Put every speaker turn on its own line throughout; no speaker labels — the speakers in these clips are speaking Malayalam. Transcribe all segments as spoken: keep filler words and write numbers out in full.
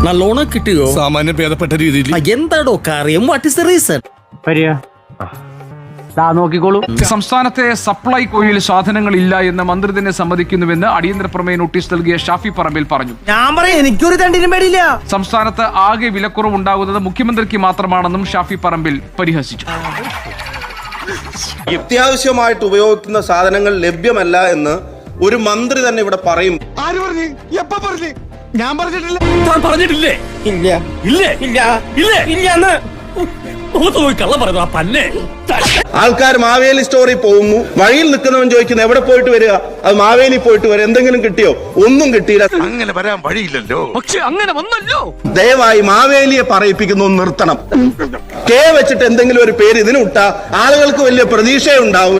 നല്ലോണം കിട്ടിയോ?
സാമാന്യ ഭേദപ്പെട്ട രീതിയിൽ.
എന്താടോ കാര്യം? What is the reason?
നോക്കിക്കോളൂ.
സംസ്ഥാനത്തെ സപ്ലൈകോയിൽ സാധനങ്ങൾ ഇല്ല എന്ന് മന്ത്രി തന്നെ സമ്മതിക്കുന്നുവെന്ന് അടിയന്തര പ്രമേയ നോട്ടീസ് നൽകിയ ഷാഫി പറമ്പിൽ പറഞ്ഞു.
ഞാൻ പറയാം, എനിക്കൊരു തണ്ടിനും പേടിയില്ല.
സംസ്ഥാനത്ത് ആകെ വിലക്കുറവുണ്ടാകുന്നത് മുഖ്യമന്ത്രിക്ക് മാത്രമാണെന്നും ഷാഫി പറമ്പിൽ പരിഹസിച്ചു.
അത്യാവശ്യമായിട്ട് ഉപയോഗിക്കുന്ന സാധനങ്ങൾ ലഭ്യമല്ല എന്ന് ഒരു മന്ത്രി തന്നെ ഇവിടെ പറയും.
ആര് പറഞ്ഞു? എപ്പ പറഞ്ഞു? ഞാൻ പറഞ്ഞിട്ടില്ല.
പറഞ്ഞിട്ടില്ലേ?
ഇല്ല
ഇല്ല
ഇല്ല
ഇല്ല
ഇല്ല.
കള്ള പറയുന്നു ആ പന്നെ.
ആൾക്കാർ മാവേലി സ്റ്റോറിൽ പോകുന്നു, വഴിയിൽ നിൽക്കുന്നവൻ ചോദിക്കുന്നു എവിടെ പോയിട്ട് വരിക? അത് മാവേലി പോയിട്ട് വരിക. എന്തെങ്കിലും കിട്ടിയോ? ഒന്നും കിട്ടിയില്ല.
അങ്ങനെ വരാൻ വഴിയില്ലല്ലോ.
പക്ഷെ അങ്ങനെ വന്നല്ലോ.
ദയവായി മാവേലിയെ പറയിപ്പിക്കുന്നു നിർത്തണം. കെ വെച്ചിട്ട് എന്തെങ്കിലും ഒരു പേര് ഇതിന് വിട്ടാ ആളുകൾക്ക് വലിയ പ്രതീക്ഷയുണ്ടാവും.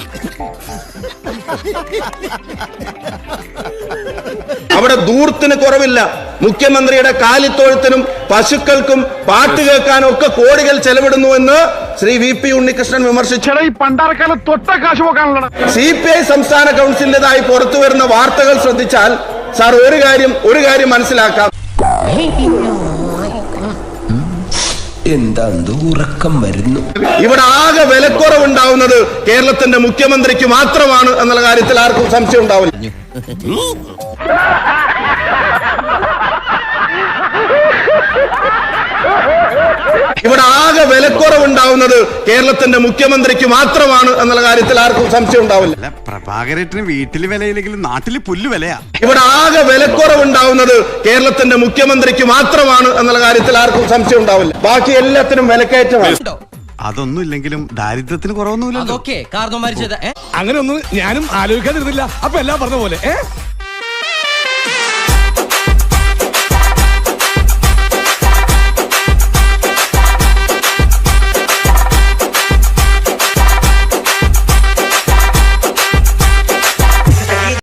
അവിടെ ദൂർത്തിന് കുറവില്ല. മുഖ്യമന്ത്രിയുടെ കാലിത്തൊഴുത്തിനും പശുക്കൾക്കും പാട്ട് കേൾക്കാനും ഒക്കെ കോടികൾ ചെലവിടുന്നു എന്ന് ശ്രീ വി പി ഉണ്ണികൃഷ്ണൻ വിമർശിച്ചു. സി പി ഐ സംസ്ഥാന കൗൺസിലിന്റേതായി പുറത്തു വരുന്ന വാർത്തകൾ ശ്രദ്ധിച്ചാൽ സാർ ഒരു കാര്യം ഒരു കാര്യം മനസ്സിലാക്കാം.
എന്താ ഉറക്കം വരുന്നു?
ഇവിടെ ആകെ വിലക്കുറവുണ്ടാവുന്നത് കേരളത്തിന്റെ മുഖ്യമന്ത്രിക്ക് മാത്രമാണ് എന്നുള്ള കാര്യത്തിൽ ആർക്കും സംശയം ഉണ്ടാവില്ല. ഇവിടെ ആകെ വിലക്കുറവുണ്ടാവുന്നത് കേരളത്തിന്റെ മുഖ്യമന്ത്രിക്ക് മാത്രമാണ് എന്നുള്ള കാര്യത്തിൽ ആർക്കും സംശയം ഉണ്ടാവില്ല.
പ്രഭാകരേട്ടന് വീട്ടില് വിലയില്ലെങ്കിലും നാട്ടില് പുല്ല് വിലയാ.
ഇവിടെ ആകെ വിലക്കുറവുണ്ടാവുന്നത് കേരളത്തിന്റെ മുഖ്യമന്ത്രിക്ക് മാത്രമാണ് എന്നുള്ള കാര്യത്തിൽ ആർക്കും സംശയം ഉണ്ടാവില്ല. ബാക്കി എല്ലാത്തിനും വിലക്കയറ്റമാണ്.
അതൊന്നും ഇല്ലെങ്കിലും ദാരിദ്ര്യത്തിന് കുറവൊന്നുമില്ല.
അതൊക്കെ കാരണം മരിച്ചത്
അങ്ങനെ ഒന്നും ഞാനും ആലോചിക്കാതിരുന്നില്ല. അപ്പൊ എല്ലാം പറഞ്ഞ പോലെ